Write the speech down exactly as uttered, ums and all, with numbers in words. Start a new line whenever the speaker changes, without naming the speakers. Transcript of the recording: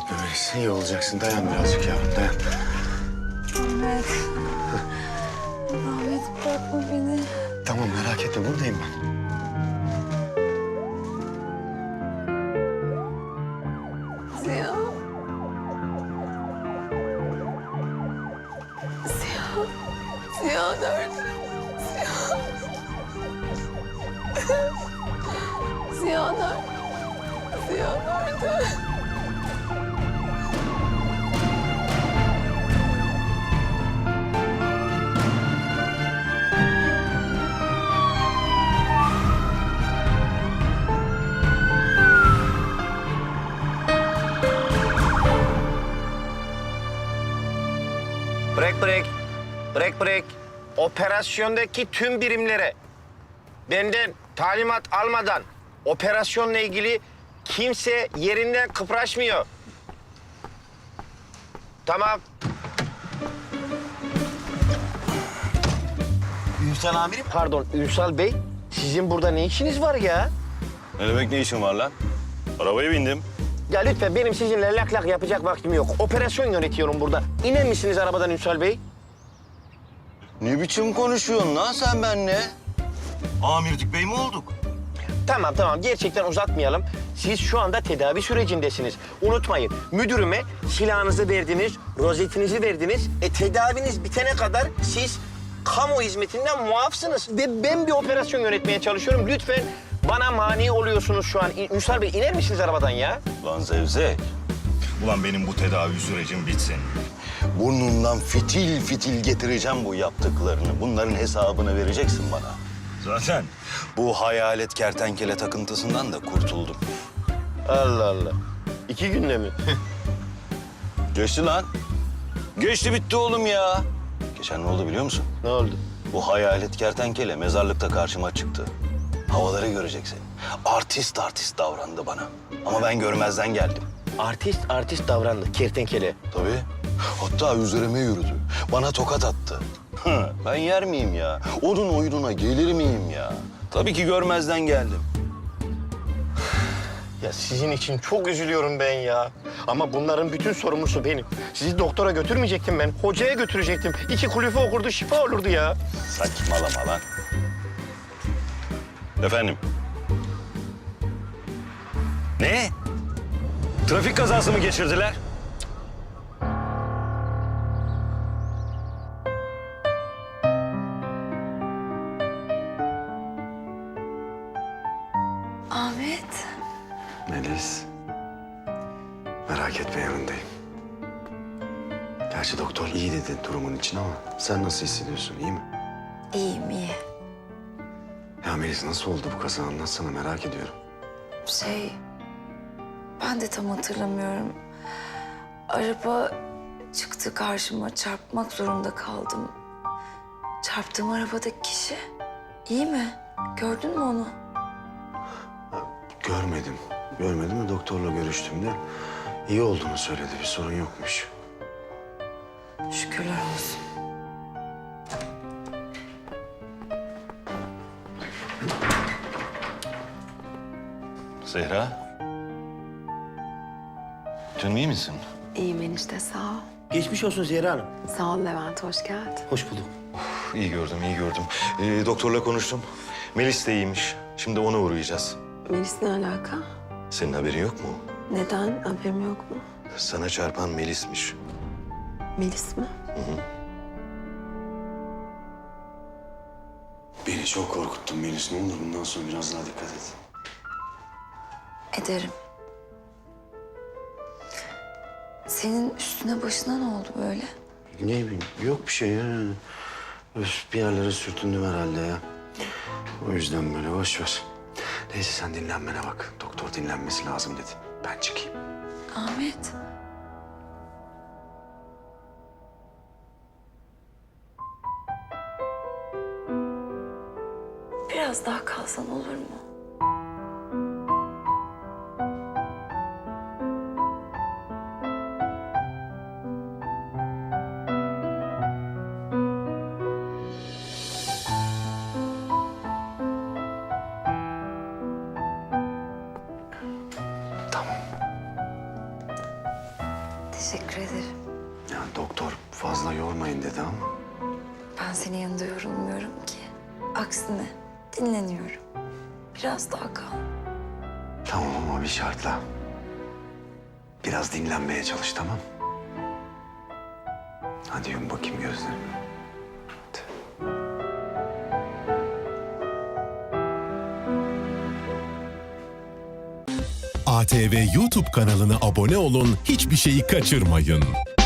etme Melis. İyi olacaksın. Dayan birazcık yavrum, dayan.
Ahmet. Ahmet bırakma beni.
Tamam, merak etme. Buradayım ben.
Ziya. Ziya. Ziya nerede? Ziya. Ziya nerede? Ziya nerede?
Break break. Break break. Operasyondaki tüm birimlere benden talimat almadan operasyonla ilgili kimse yerinden kıpraşmıyor. Tamam. Ünsal amirim. Pardon Ünsal Bey. Sizin burada ne işiniz var ya?
Ne demek ne işin var lan? Arabaya bindim.
Ya lütfen benim sizinle lak lak yapacak vaktim yok. Operasyon yönetiyorum burada. İner misiniz arabadan Ünsal Bey?
Ne biçim konuşuyorsun lan sen benimle? Amirdik bey mi olduk?
Tamam tamam gerçekten uzatmayalım. Siz şu anda tedavi sürecindesiniz. Unutmayın müdürüme silahınızı verdiniz, rozetinizi verdiniz. E tedaviniz bitene kadar siz kamu hizmetinden muafsınız. Ve ben bir operasyon yönetmeye çalışıyorum. Lütfen bana mani oluyorsunuz şu an. Ünsal Bey iner misiniz arabadan ya?
Lan zevzek.
Ulan benim bu tedavi sürecim bitsin.
Burnundan fitil fitil getireceğim bu yaptıklarını. Bunların hesabını vereceksin bana.
Zaten
Bu hayalet kertenkele takıntısından da kurtuldum.
Allah Allah. İki günde mi?
Geçti lan. Geçti bitti oğlum ya. Geçen ne oldu biliyor musun?
Ne oldu?
Bu hayalet kertenkele mezarlıkta karşıma çıktı. Havaları göreceksin. Artist artist davrandı bana. Ama ben görmezden geldim.
Artist artist davrandı kertenkele.
Tabii. Hatta üzerime yürüdü. Bana tokat attı. Hı, ben yer miyim ya? Onun oyununa gelir miyim ya? Tabii ki görmezden geldim.
Ya sizin için çok üzülüyorum ben ya. Ama bunların bütün sorumlusu benim. Sizi doktora götürmeyecektim ben. Hocaya götürecektim. İki kulüfe okurdu, şifa olurdu ya.
Saçmalama lan. Efendim? Ne? Trafik kazası mı geçirdiler?
Ahmet.
Melis. Merak etme, yanındayım. Gerçi doktor iyi dedi durumun için ama sen nasıl hissediyorsun, iyi mi?
İyiyim iyi.
Ya Melis, nasıl oldu bu kaza, anlatsana, merak ediyorum.
Şey, ben de tam hatırlamıyorum. Araba çıktı karşıma, çarpmak zorunda kaldım. Çarptığım arabadaki kişi iyi mi? Gördün mü onu?
Görmedim. Görmedim de doktorla görüştüğümde iyi olduğunu söyledi, bir sorun yokmuş.
Şükürler olsun.
Zehra. Dün iyi misin?
İyiyim enişte, sağ ol.
Geçmiş olsun Zehra Hanım.
Sağ ol Levent, hoş geldin.
Hoş bulduk.
İyi gördüm, iyi gördüm. Ee, doktorla konuştum. Melis de iyiymiş. Şimdi ona uğrayacağız.
Melis ne alaka?
Senin haberin yok mu?
Neden? Haberim yok mu?
Sana çarpan Melis'miş.
Melis mi?
Beni çok korkuttun Melis, ne olur bundan sonra biraz daha dikkat et.
Ederim. Senin üstüne başına ne oldu böyle?
Ne bileyim, yok bir şey ya. Öf, bir yerlere sürtündüm herhalde ya. O yüzden böyle boş ver. Neyse sen dinlenmene bak. Doktor dinlenmesi lazım dedi. Ben çıkayım.
Ahmet. Biraz daha kalsan olur mu?
Tamam.
Teşekkür ederim.
Yani doktor fazla yormayın dedi ama.
Ben senin yanında yorulmuyorum ki. Aksine dinleniyorum. Biraz daha kal.
Tamam ama bir şartla. Biraz dinlenmeye çalış, tamam? Hadi yum bakayım gözlerini. Hadi.
A T V YouTube kanalına abone olun, hiçbir şeyi kaçırmayın.